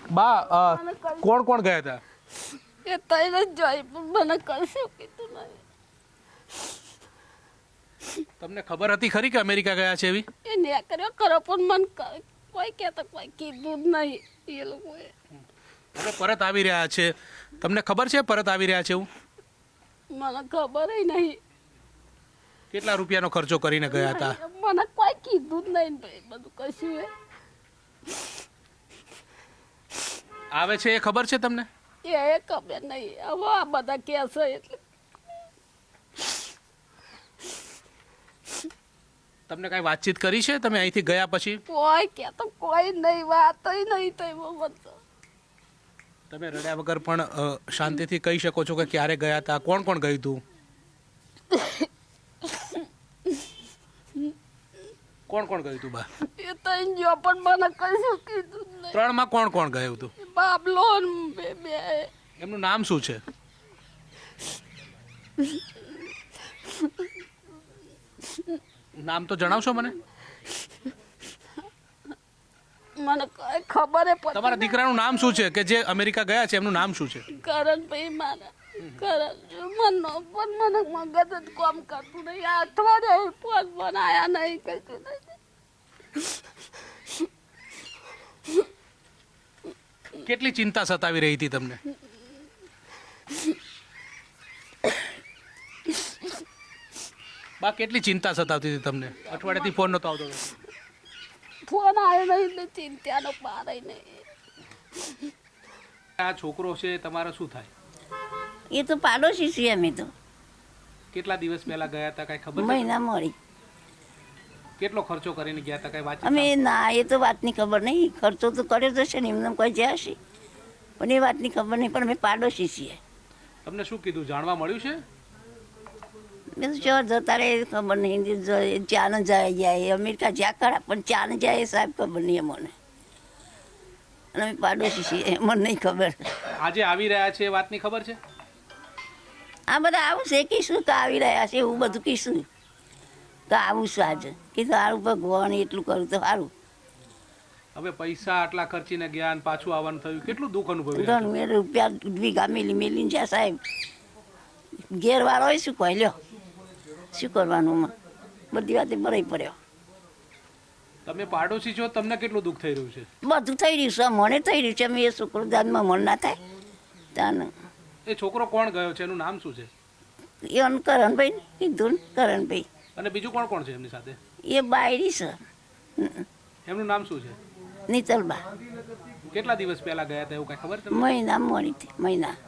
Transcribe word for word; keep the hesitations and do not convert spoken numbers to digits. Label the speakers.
Speaker 1: બા અ, કોણ કોણ ગયા હતા?
Speaker 2: એ તઈ જ જોઈ પણ મને કશું કીધું નહીં.
Speaker 1: તમને ખબર હતી ખરી કે અમેરિકા ગયા છે એવી?
Speaker 2: એ ને કર્યો કરો પણ મને ક- કોઈ કહેતા કોઈ કીધું જ નહીં એ લોકોએ.
Speaker 1: હવે પરત આવી રહ્યા છે, તમને ખબર છે પરત આવી રહ્યા છે એવું?
Speaker 2: મને ખબર નહીં.
Speaker 1: કેટલા રૂપિયાનો ખર્ચો કરીને ગયા હતા?
Speaker 2: મને કોઈ કીધું જ નહીં ભાઈ બધું કશું એ
Speaker 1: આવે છે એ ખબર છે તમને?
Speaker 2: એ ખબર નહીં. હવે આ બધા કહે છે એટલે
Speaker 1: તમને કાંઈ વાતચીત કરી છે તમે અહીંથી ગયા પછી?
Speaker 2: કોઈ કહેતો કોઈ નહીં વાત નહીં થઈ મને તો.
Speaker 1: તમે રડ્યા વગર પણ અ, શાંતિથી કહી શકો છો કે ક્યારે ગયા હતા, કોણ કોણ ગયું હતું? કોણ કોણ ગયું હતું બા?
Speaker 2: એ તઈ જો પણ મને કશું કીધું જ નહીં.
Speaker 1: ત્રણમાં કોણ કોણ ગયું હતું?
Speaker 2: બાબલો ને બે બે
Speaker 1: એમનું નામ શું છે? નામ તો જણાવશો મને?
Speaker 2: મને કઈ ખબર પડતી
Speaker 1: તમારા દીકરાનું નામ શું છે કે જે અમેરિકા ગયા છે, એમનું નામ શું છે?
Speaker 2: કરણભાઈ મારા કરણ મનો પણ મને મગજ જ કામ કરતું નહીં. આ અઠવાડિયે ફોન બનાયા નહીં કશું નહીં.
Speaker 1: કેટલી ચિંતા સતાવી રહી હતી તમને? બા કેટલી ચિંતા સતાવતી હતી તમને? અઠવાડિયાથી ફોન નતો આવતો?
Speaker 2: ફોન આવ્યો નહીં એટલે ચિંતાનો પાર નહીં.
Speaker 1: આ છોકરો છે તમારો શું થાય?
Speaker 3: એ તો પાડોશી છીએ અમે તો.
Speaker 1: કેટલા દિવસ પહેલા ગયા હતા કઈ ખબર છે?
Speaker 3: મહિના મળી
Speaker 1: કેટલો ખર્ચો કરીને ગયા હતા કઈ વાત?
Speaker 3: અમે ના એ તો વાતની ખબર નહીં. ખર્ચો તો કર્યો તો છે ને એમને કોઈ જ્યાં હશે પણ એ વાતની ખબર નહીં. પણ અમે પાડોશી છીએ.
Speaker 1: તમને શું કીધું, જાણવા મળ્યું છે?
Speaker 3: મેં તો ચો જતા રહે ખબર નહીં. ચાને જાય જાય અમેરિકા જ્યાં ખરા પણ ચાને જાય એ સાહેબ ખબર નહીં અમને. અને અમે પાડોશી છીએ મને નહીં ખબર.
Speaker 1: આજે આવી રહ્યા છે એ વાતની ખબર છે?
Speaker 3: આ બધા આવું છે કીશું તો આવી રહ્યા છે એવું બધું કીશું તો આવું છું આજે કીધું સારું ભગવાન એટલું કરું તો સારું.
Speaker 1: હવે પૈસા આટલા ખર્ચીને ગયા અને પાછું આવવાનું થયું, કેટલું દુઃખ અનુભવ્યું?
Speaker 3: ત્રણ મેં રૂપિયા વીઘા મેલી મેલીને જ્યાં સાહેબ ઘેરવાળો હોય શું કહે લ્યો શું કરવાનું માં બધી વાતે બરાઈ પડ્યો.
Speaker 1: તમે પાડોશી છો, તમને કેટલું દુઃખ થઈ રહ્યું છે?
Speaker 3: બધું થઈ રહ્યું છે મને થઈ રહ્યું છે. અમે એ છોકરો દાદમાં મન ના થાય ત્યાં
Speaker 1: એ છોકરો કોણ ગયો છે, એનું નામ શું છે?
Speaker 3: એ અન કરણભાઈ ને કીધું ને કરણભાઈ.
Speaker 1: અને બીજું કોણ કોણ છે એમની સાથે?
Speaker 3: એ બાયરી છે
Speaker 1: એમનું નામ શું છે?
Speaker 3: નીતલબા.
Speaker 1: કેટલા દિવસ પહેલા ગયા હતા એવું કઈ ખબર છે?
Speaker 3: મહિના મળી હતી મહિના